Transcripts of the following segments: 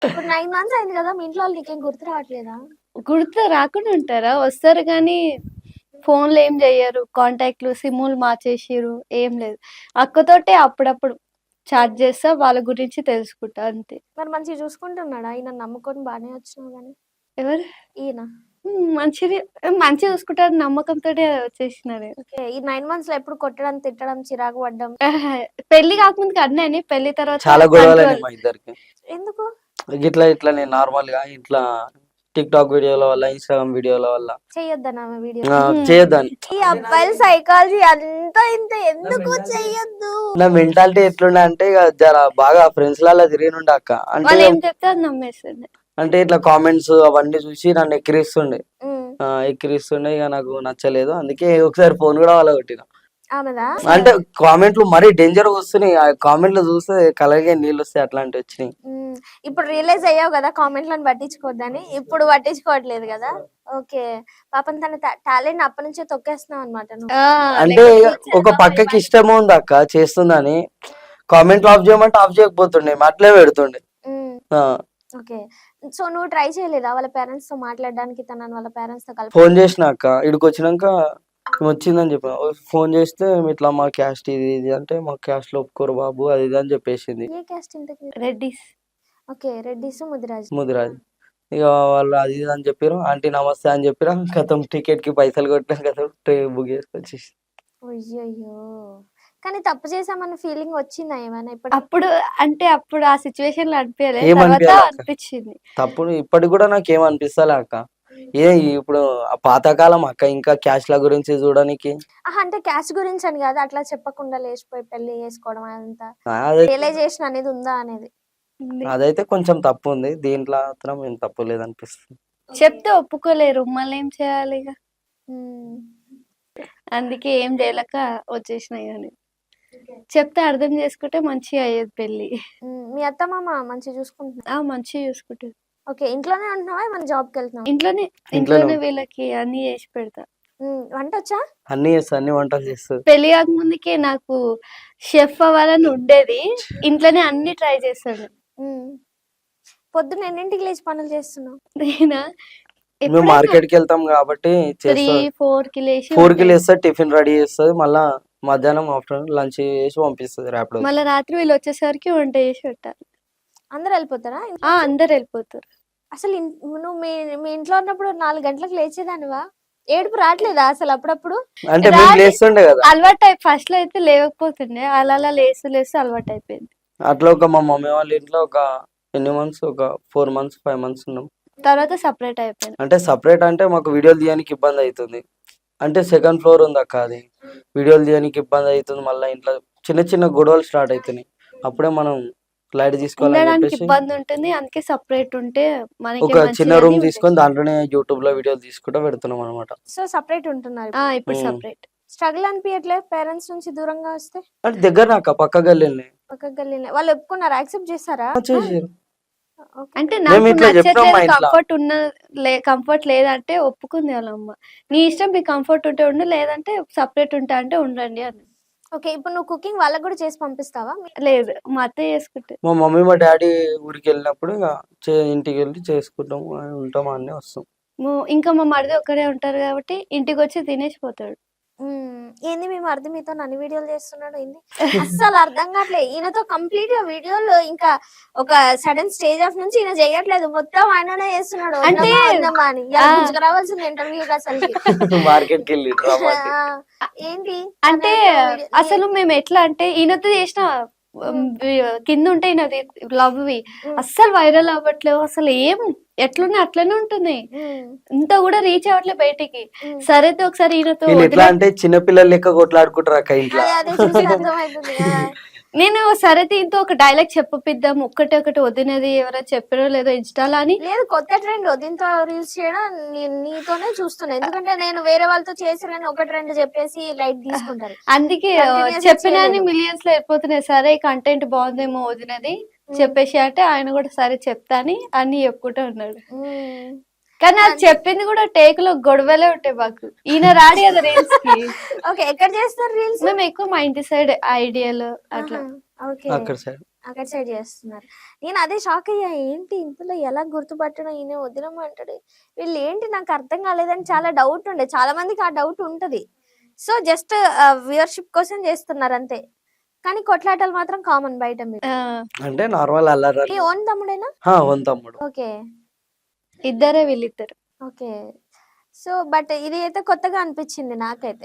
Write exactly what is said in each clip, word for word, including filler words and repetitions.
ఇప్పుడు nine months అయింది కదా! మీ ఇంట్లో వాళ్ళు నీకేం గుర్తు రావట్లేదా? గుర్తు రాకుండా ఉంటారా? వస్తారు గానీ ఫోన్‌లు ఏం జెయ్యరు. కాంటాక్ట్‌లు, సిమ్ములు మార్చేసిర్రు. ఏం లేదు. అక్కతోటే అప్పుడప్పుడు చాట్ చేస్తా. వాళ్ళ గురించి తెలుసుకుంటా అంతే. మరి మంచిగా చూసుకుంటున్నాడా? ఈయనని నమ్ముకొని బానే వచ్చినావు గాని. ఎవరు? ఈయన. హ్మ్. మంచిది మంచిగా చూసుకుంటారని నమ్మకంతోటే వచ్చేసినా నేను. ఓకే. ఈ నైన్ మంత్స్‌లో ఎప్పుడు కొట్టడం, తిట్టడం, చిరాకు పడ్డం? అహా! పెళ్లి కాకముందుకి అన్నీ అయినాయి. పెళ్లి తర్వాత చాలా గొడవలయినాయి కంట్రోల్. మా ఇద్దరికి. ఎందుకు? గిట్లా ఇట్లా నేను నార్మల్‌గా ఇట్లా టిక్‌టాక్ వీడియోల వల్ల, ఇన్‌స్టాగ్రామ్ వీడియోల వల్ల చెయ్యొద్దనా ఆమె వీడియో? ఆ! హ్మ్. చేయొద్దని. ఈ అబ్బాయిల సైకాలజీ అంతా ఇంత ఎందుకు చెయ్యొద్దు? నా మెంటాలిటీ ఎట్లుండే అంటే ఇగ జర బాగా ఫ్రెండ్స్‌లల్ల తిరిగినుండే అక్క. అంటే వాళ్ళు ఏం చెప్తే అది నమ్మేస్తుండే. అంటే ఇట్లా కామెంట్స్ అవన్నీ చూసి నన్ను ఎక్కిరిస్తుండే. హ్మ్. ఆ! ఎక్కిరిస్తుండే ఇగ నాకు నచ్చలేదు. అందుకే ఒకసారి ఫోన్ కూడా పగలగొట్టిన. ఆమెదా? అంటే కామెంట్లు మరీ డేంజర్‌గా వస్తున్నాయి. ఆ కామెంట్లు చూస్తే కళ్ళకే నీళ్ళొస్తాయి అట్లాంటివి వచ్చినాయి. హ్మ్. ఇప్పుడు రియలైజ్ అయ్యావు గదా! కామెంట్‌లను పట్టించుకోవద్దని. ఇప్పుడు పట్టించుకోవట్లేదు గదా! ఓకే. పాపం తన టా టాలెంట్‌ని అప్పటినుంచే తొక్కేస్తున్నావన్నమాట నువ్వు. ఆ! అంటే లేకపోతే ఒక పక్కకి ఇష్టం ఉంది అక్క చేస్తుందని. కామెంట్లు ఆఫ్ చేయమంటే ఆఫ్ చేయకపోతుండే. అట్లే పెడుతుండే. హ్మ్. ఆ! ఓకే. సో, నువ్వు ట్రై చేయలేదా వాళ్ళ పేరెంట్స్‌తో మాట్లాడడానికి తనని వాళ్ళ పేరెంట్స్‌తో కలప ఫోన్ చేసిన అక్క. ఈడికొచ్చినంక వచ్చిందని చెప్పిన. ఫోన్ చేస్తే ఇట్లా మా క్యాస్ట్ ఇది ఇది అంటే మా క్యాస్ట్‌లో ఒప్పుకోరు బాబు అది ఇది అని చెప్పేసింది. ఏ క్యాస్ట్ ఇంతకి? రెడ్డిస్. ఓకే. రెడ్డిస్, ముదిరాజ్. ముదిరాజ్. ఇగ వాళ్ళు అది ఇది అని చెప్పిర్రు. ఆంటీ నమస్తే అని చెప్పిన. ఖతం టికెట్‌కి పైసలు కొట్టిన ఖతం ట్రైన్ బుక్ చేసుకొచ్చేసి. అయ్యయ్యో! కానీ తప్పు చేశామన్న ఫీలింగ్ వచ్చిందా ఏమైనా ఇప్పటికి? అప్పుడు అంటే అప్పుడు ఆ సిట్యుయేషన్‌లో అనిపియలే. తర్వాత ఏమనిపియలే అక్క. అనిపిచ్చింది. తప్పుడు ఇప్పటికి కూడా నాకేం అనిపిస్తలే అక్క. ఏ ఇప్పుడు ఆ పాతకాలం అక్క ఇంకా క్యాస్ట్‌ల గురించి చూడనికి. అహా! అంటే క్యాస్ట్ గురించి అని గాదు. అట్లా చెప్పకుండా లేచిపోయి పెళ్లి చేసుకోవడం అదంతా. అదే రియలైజేషన్ అనేది ఉందా అనేది. ఉంది. అదైతే కొంచెం తప్పుంది. దీంట్లో మాత్రం ఏం తప్పు లేదనిపిస్తుంది. చెప్తే ఒప్పుకోలేరు. మళ్ళేం చేయాలిగ? హ్మ్. అందుకే ఏం జేయలేక వచ్చేసినా ఇగ నేను. చెప్తే అర్థం చేసుకుంటే మంచిగా అయ్యేది పెళ్లి. హ్మ్. మీ అత్త, మామ మంచిగా చూసుకుంటున్నారా? ఆ! మంచిగా చూసుకుంటారు. ఓకే. ఇంట్లోనే ఉంటున్నావా? ఏమన్నా జాబ్‌కెళ్తున్నావా? ఇంట్లోనే ఇంట్లోనే ఇంట్లోనే ఉం వీళ్ళకి అన్నీ చేసి పెడతా. హ్మ్. వంటొచ్చా? అన్నీ చేస్తది. అన్ని వంటలు చేస్తది. పెళ్లి కాకముందుకే నాకు షెఫ్ అవ్వాలని ఉండేది. ఇంట్లోనే అన్నీ ట్రై చేశాను. హ్మ్. పొద్దున్న ఎన్నింటికి లేచి పనులు చేస్తున్నావు? నేనా? మేము ఎప్పుడైనా మార్కెట్‌కెళ్తాం కాబట్టి మూడు, చేస్తది. 4కి లేసి 4కి ఉంటాయి. లేస్తది. టిఫిన్ రెడీ చేస్తది. మళ్ళా మధ్యాహ్నం, ఆఫ్టర్‌నూన్ లంచ్ చేసి పంపిస్తది ర్యాపిడోకి. మళ్ళా రాత్రి వీళ్ళొచ్చేసరికి వంట చేసి పెట్టాలి. అందరూ ఎళ్ళిపోతారా ఆ! ఇంట్లోంచి? అందరెళ్ళిపోతారు. అసలు ఇన్ నువ్వు మీ మీ ఇంట్లో ఉన్నప్పుడు నాలుగు గంటలకు లేచేదానివా? ఏడుపు రాట్లేదా అసలు అప్పుడప్పుడు? అంటే మేము రాత్రి లేస్తుండే కదా! అలవాటయి ఫస్ట్‌లో అయితే లేవకపోతుండే. అలా అలా లేస్తూ లేస్తూ అలవాటయిపోయింది. అట్లా ఒక మా మమ్మీ వాళ్ళ ఇంట్లో ఒక ఎన్ని మంత్స్ ఒక నాలుగు మంత్స్, ఐదు మంత్స్ ఉన్నాం. తర్వాత సెపరేట్ అయిపోయినా. అంటే సెపరేట్ అంటే మాకు వీడియోలు తీయడానికి ఇబ్బంది అయితుంది. అంటే సెకండ్ ఫ్లోర్ ఉందక్క అది. వీడియోలు తీయడానికి ఇబ్బంది అయితుంది. మళ్ళా ఇంట్లో చిన్న చిన్న గొడవలు స్టార్ట్ అయితున్నాయి. అప్పుడే మనం లైట్ తీసుకోవాలని ఉండడానికి చెప్పేసి ఇబ్బందుంటుంది. అందుకే సెపరేట్ ఉంటే మనకే ఒక చిన్న మంచిదని రూమ్ ఉండేది. తీసుకొని దాంట్లోనే యూట్యూబ్‌లో వీడియోలు తీసుకుంటా పెడుతున్నాం అన్నమాట. సో, సెపరేట్ ఉంటున్నారు ఆ! ఇప్పుడు. ఇప్పుడు హ్మ్. సెపరేట్. స్ట్రగుల్ అనిపియట్లే పేరెంట్స్ నుంచి దూరంగా వస్తే? అంటే దగ్గరనే అక్క పక్క గల్లీలనే. పక్కకి గల్లీనే. వాళ్ళు ఒప్పుకున్నారా? యాక్సెప్ట్ చేసారా? ఆ! చేసిర్రు. ఓకే. అంటే మేము నాకు ఇట్లా చెప్పినాం నచ్చట్లేదు, మా ఇంట్ల. కంఫర్ట్ ఉన్న లే కంఫర్ట్ లేదంటే ఒప్పుకుంది వాళ్ళమ్మ. నీ ఇష్టం మీకు కంఫర్ట్ ఉంటే ఉండు, లేదంటే సెపరేట్ ఉంటా అంటే ఉండండి అన్నది. ఓకే. ఇప్పుడు నువ్వు కుకింగ్ వాళ్ళకి గూడా చేసి పంపిస్తావా? మీ లేదు. మా అత్తయ్య చేసుకుంటది. మా మమ్మీ, మా డ్యాడీ ఊరికెళ్ళినప్పుడు ఇగ చే ఇంటికెళ్ళి చేసుకుంటాం. ఆహ్, ఉంటాం ఆడనే వస్తాం. ము ఇంకా మా మరిది ఒక్కడే ఉంటారు కాబట్టి ఇంటికొచ్చి తినేసి పోతాడు. హ్మ్. ఏంది మీ మరిది మీతోని అన్ని వీడియోలు చేస్తున్నాడు ఏంది? అస్సలు అర్థం కావట్లే. ఈయనతో కంప్లీట్‌గా వీడియోలు ఇంకా ఒక సడెన్ స్టేజ్ ఆఫ్ నుంచి ఈయన చేయట్లేదు. మొత్తం ఆయననే చేస్తున్నాడు. అంటే వద్దమ్మా, వద్దమ్మా అని. ఆ! ఇయాల గుంజుకురావాల్సింది ఇంటర్వ్యూకి అసలకి. మార్కెట్‌కెళ్ళిండ్రు ఆ! రమ్మంటే. ఏంటి అంటే తనతో వీడియో నీ అసలు మేమెట్లా అంటే ఈయనతో చేసిన హ్మ్. హ్మ్, వి కిందుంటాయి నాది లవ్‌వి. హ్మ్. అస్సలు వైరల్ అవ్వట్లేవు. అసలు ఏం ఎట్లున్నాయి అట్లనే ఉంటున్నాయి. హ్మ్. ఇంత కూడా రీచ్ అవ్వట్లే బయటికి. హ్మ్. సరే అయితే ఒకసారి ఈయనతో వీళ్ళు ఎట్లా వదిలేద్దాం. అంటే చిన్న పిల్లలు లెక్క కొట్లాడుకుంటారు అక్క ఇంట్ల. అదే అదే చూస్తే అర్థమైతుంది. ఆ! నేను సరే దీంతో ఒక డైలాగ్ చెప్పపిద్దాం. ఒక్కటే ఒకటి వదినది ఎవరైనా చెప్పారో లేదో ఇన్‌స్టాలో అని లేదు కొత్త ట్రెండ్ దీంతో రీల్స్ చేయడం నీ నీతోనే చూస్తున్నా. ఎందుకంటే నేను వేరే వాళ్ళతో చేసినని ఒకటి రెండు చెప్పేసి లైట్ తీసుకుంటారు. అందుకే కంటిన్యూయస్‌గా చెప్పినన్ని చేయలేదు. మిలియన్స్‌లో వెళ్ళిపోతున్నాయి. సరే కంటెంట్ బాగుందేమో వదినది హ్మ్. చెప్పేసి అంటే ఆయన కూడా సరే చెప్తా అని అన్ని చెప్పుకుంటూ ఉన్నాడు. హ్మ్. కానీ అది అన్ చెప్పింది కూడా టేక్‌లో గొడవలే ఉంటాయి మాకు. ఈయన రాడు కదా రీల్స్‌కి. ఓకే. ఎక్కడ చేస్తారు రీల్స్? మేము ఎక్కువ మా ఇంటి సైడ్ ఐడియాలు అట్లా. ఆహా! ఓకే. అక్కడ సైడ్. అక్కడ సైడ్ చేస్తున్నారు. నేను అదే షాక్ అయ్యా. ఏంటి ఇంతలో ఎలా గుర్తుపట్టడం, ఈయన వదినమ్మ అంటాడు. వీళ్ళు ఏంటి నాకు అర్థం కాలేదని చాలా డౌట్ ఉండే. చాలా మందికి ఆ డౌట్ ఉంటది. సో జస్ట్ వ్యూవర్షిప్ కోసం చేస్తున్నారు అంతే. కానీ కొట్లాటలు మాత్రం కామన్ బయట మీకు. ఆ, అంటే నార్మల్ అల్లరి. మీ ఓన్ తమ్ముడేనా? హా, ఓన్ తమ్ముడు. ఓకే. ఇద్దరే వీళ్ళిద్దరు. ఓకే. సో బట్ ఇది అయితే కొత్తగా అనిపించింది నాకైతే.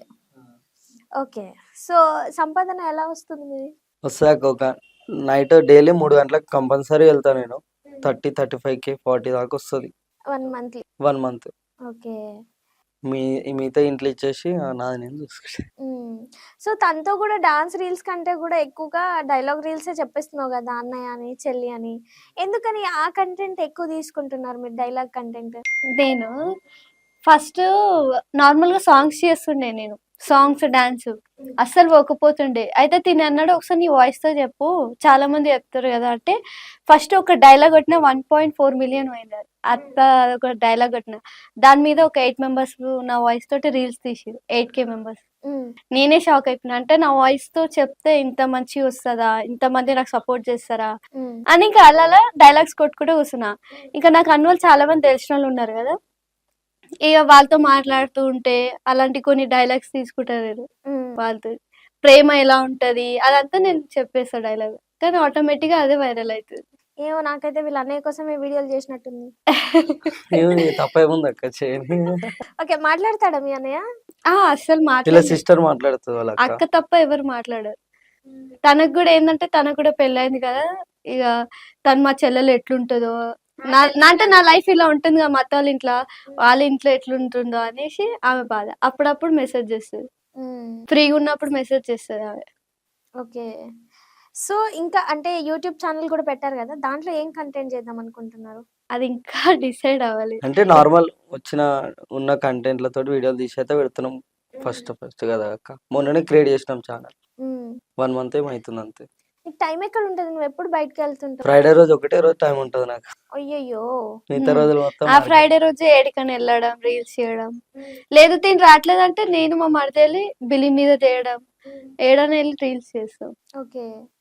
ఓకే. సో సంపాదన ఎలా వస్తుంది మీది? వస్తాక ఒక నైట్ డైలీ మూడు గంటలకు కంపల్సరీ వెళ్తా నేను. Thirty thirty five K forty దాకా వస్తుంది one monthly. One month. Okay. మీ మిగతా ఇంట్లో ఇచ్చేసి ఆ, నాది నేను చూసుకుంటా. హ్మ్. సో తనతో కూడా డాన్స్ రీల్స్ కంటే కూడా ఎక్కువగా డైలాగ్ రీల్సే చెప్పేస్తున్నావు కదా, అన్నయ్య అని, చెల్లి అని. ఎందుకని ఆ కంటెంట్ ఎక్కువ తీసుకుంటున్నారు మీరు, డైలాగ్ కంటెంట్? నేను ఫస్ట్ నార్మల్గా సాంగ్స్ చేస్తుండే, నేను సాంగ్స్ డాన్స్ అస్సలు పోకపోతుండే. అయితే తిని అన్నాడు, ఒకసారి నీ వాయిస్ తో చెప్పు, చాలా మంది చెప్తారు కదా అంటే. ఫస్ట్ ఒక డైలాగ్ కొట్టిన వన్ పాయింట్ ఫోర్ మిలియన్ పోయింది. అత్త ఒక డైలాగ్ కొట్టిన, దాని మీద ఒక ఎయిట్ మెంబర్స్ నా వాయిస్ తోటి రీల్స్ తీసిరు, ఎయిట్ కే మెంబర్స్. హ్మ్. నేనే షాక్ అయిపోయినా, అంటే నా వాయిస్ తో చెప్తే ఇంత మంచిగా వస్తుందా, ఇంతమంది నాకు సపోర్ట్ చేస్తారా హ్మ్. అని ఇంకా అలా డైలాగ్స్ కొట్టుకుంటూ కూర్చున్నా. ఇంకా నాకు అన్న వాళ్ళు చాలా మంది తెలిసిన వాళ్ళు ఉన్నారు కదా, ఇక వాళ్ళతో మాట్లాడుతూ ఉంటే అలాంటి కొన్ని డైలాగ్స్ తీసుకుంటారు నేను హ్మ్. వాళ్ళతో. ప్రేమ ఎలా ఉంటది అదంతా నేను చెప్పేస్తా డైలాగ్, కానీ ఆటోమేటిక్ గా అదే వైరల్ అవుతుంది. ఏమో నాకైతే వీళ్ళ అన్నయ్య కోసమే వీడియోలు చేసినట్టుంది. ఏమి తప్పేముంది అక్క చేయని. ఓకే. మాట్లాడతాడా మీ అన్నయ్య? ఆ అస్సలు వీళ్ళ మాట్లాడలేదు. సిస్టర్ మాట్లాడుతుంది వాళ్ళ అక్క. అక్క తప్ప ఎవరు మాట్లాడారు. తనకు కూడా ఏంటంటే తనకు కూడా పెళ్ళైంది కదా, ఇక తను మా చెల్లెలు ఎట్లుంటుందో, నా నా అంటే నా లైఫ్ ఇలా ఉంటుంది కదా, మా అత్త వాళ్ళ ఇంట్లో వాళ్ళ ఇంట్లో ఎట్లుంటుందో అనేసి ఆమె బాధ. అప్పుడప్పుడు మెసేజ్ చేస్తుంది, హ్మ్. ఫ్రీగా ఉన్నప్పుడు మెసేజ్ చేస్తుంది ఆమె. ఓకే. సో ఇంకా అంటే యూట్యూబ్ ఛానల్ కూడా పెట్టారు కదా, దాంట్లో ఏం కంటెంట్ చేద్దాం అనుకుంటున్నారు? అది ఇంకా డిసైడ్ అవ్వాలి. అంటే నార్మల్ వచ్చిన ఉన్న కంటెంట్లతో వీడియోలు తీసి అయితే పెడుతున్నాం. ఫస్ట్ ఫస్ట్ కదా అక్క, మొన్ననే క్రియేట్ చేసినాం ఛానల్. హ్మ్. వన్ మంత్ ఏమవుతుంది అంతే. నీకు టైం ఎక్కడ ఉంటుంది? నువ్వు ఎప్పుడు బయటకు వెళ్తుంటావు? ఫ్రైడే రోజు ఒకటే రోజు టైం ఉంటుంది నాకు. అయ్యయ్యో. మిగతా ఉమ్. రోజులు మొత్తం ఆ market. ఫ్రైడే రోజు ఏడికని వెళ్ళడం, రీల్స్ చేయడం, లేదు తిని రావట్లేదంటే నేను మా మరిది వెళ్ళి బిల్లి మీద చేయడం, ఏడని వెళ్ళి రీల్స్ చేస్తాం. ఓకే.